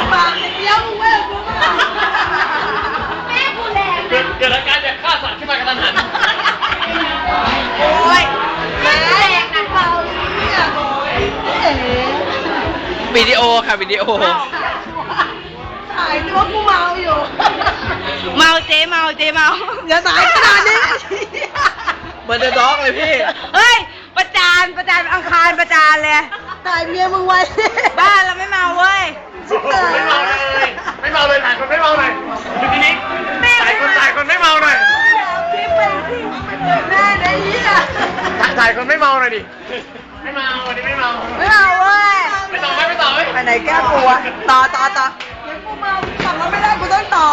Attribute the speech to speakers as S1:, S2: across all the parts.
S1: ปากเดี๋ยวมึงเว้ยกูแม่กูแรง
S2: เกิดอาการอยากฆ่าสัตว์ขึ้นมากระทันหัน
S1: โอ้ยแม่แรงนะเบาเนี่ย
S3: วิดีโอค่ะวิดีโอ
S1: ถ่ายนึกว่ากูเมาอยู่
S4: เมาเจ๊เมา
S1: อย่าถ่ายขนาดนี้
S3: เหมือนเดอะด็อกเลยพี่
S4: เฮ้ยประจานอังคารประจานเลย
S1: ถ่ายเมียมึงไว้
S4: บ้านเราไม่เมาเว้ย
S2: ไม่เมาเลยถ่ายคนไม่เมาหน่อยทีนี้ถ่ายคนไม่เมาหน่อย
S1: พี่เป็นพี่แม่ได้ยี่อ่ะ
S2: ถ่ายคนไม่เมาหน่อยดิไม่เมาวันนี้ไม่เมา
S4: ไม่เมาเว้ย
S2: ไม่ต่อไหม
S1: ไปไหนแก้ปวดต่อเดี๋ยวกูเมาสั่งแล้วไม่ได้กูต้องต่อ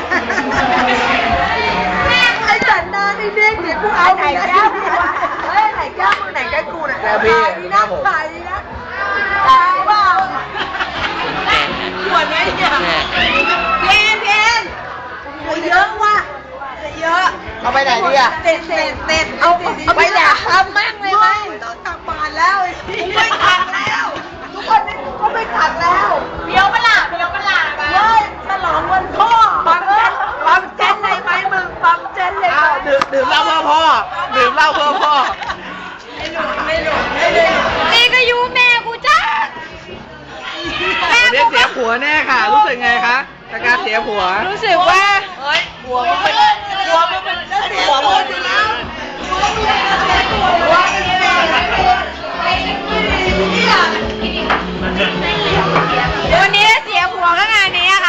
S1: แม่ไอ้สันดานไอ้เด็กเดี๋ยวกูเอาไหนแก้ปวดเฮ้ยไหนแก้มึงไหนแก้กูน่ะ
S3: แก้พี่
S1: นะถ่ายดีนะถ่ายเปล่าปวดไหมเนี่ยเพนเยอะว่ะเยอะ
S3: เอาไปไหนดีอ่ะ
S1: เต็ดเอาไปแดกทำแม่งเลยไหมต้องตักบาตรแล้วไม่ขัดแล้วทุกคนก็ไม่ขัดแล้วเดี๋ยวประหลาดเฮ้ยฉลองวันพ่อปั๊มเจนเลยไหมมึงปั๊มเจนเลย
S3: ดื่มเหล้าเพื่อพ่อดื่มเหล้าเพื่อพ่อ
S1: ไม่หลุด
S4: นี่ก็ยูแม่กูจ้า
S3: วันนี้เสียผัวแน่ค่ะ รู้สึกไงคะจากการเสียผัว
S4: รู้สึกว่า
S1: หัวมึงเป็นหัวมึงอยู่แล้ว
S4: วันนี้เสียผัวก็งานนี้อะค่ะ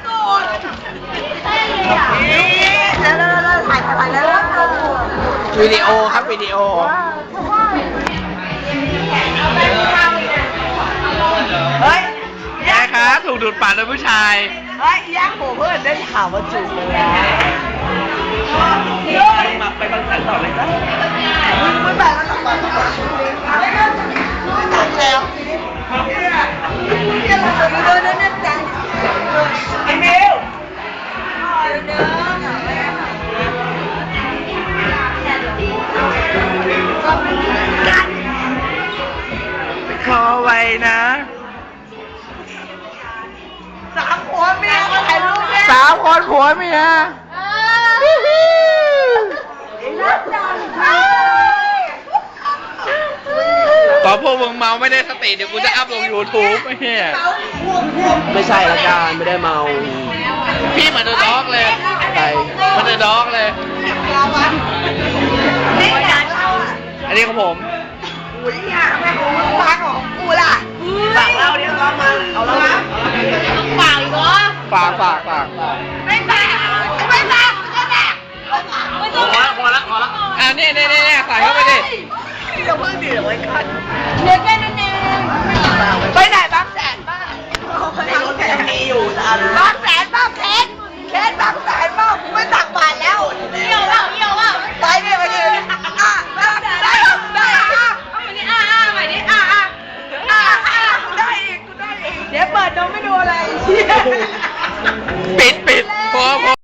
S1: แล้วถ่ายแล้ว
S3: วิดีโอครับวิดีโอ
S1: เฮ้ย
S3: ยายคะถูกดูดปากโดยผู้ชาย
S1: เฮ้ยยักษ์โผล่เพื่อนได้ข่าวว่าจูบเลยนะ
S3: ไปบังคับต่อเลยนะ
S1: มึงแบบนั้นต่อแล้วดูนั่นจังไอ้เมล
S3: ขอไว้นะ
S1: 3 คนเมียมาถ่ายรูปเนี่ย
S3: 3 คนผัวเมีย ตอนพวกมึงเมาไม่ได้สติเดี๋ยวกูจะอัพลง YouTube ไอ้เหี้ยไม่ใช่ละกันไม่ได้เมา พี่เหมือนเดอะด็อกเลยใช่เหมือนเดอะด็อกเลย อันนี้ของผม
S1: อุ้ยอ่ะแม่ของมึงฟังของกูล่ะฝากเล่าดิเรามาเอาเล่าฝากอีกเหรอ
S3: ฝาก
S1: ไม่ฝากไม่ฝากไม่ฝากไม่ต้อง
S2: พอละ
S3: อ่านี่ใส่เข้าไปดิ
S1: อย่าเพิ่งดิเดี๋ยวไว้คันเดี๋ยวแค่นั้นเองไปไหนบางแสนบ้างในรถแกมีอยู่แต่อะไร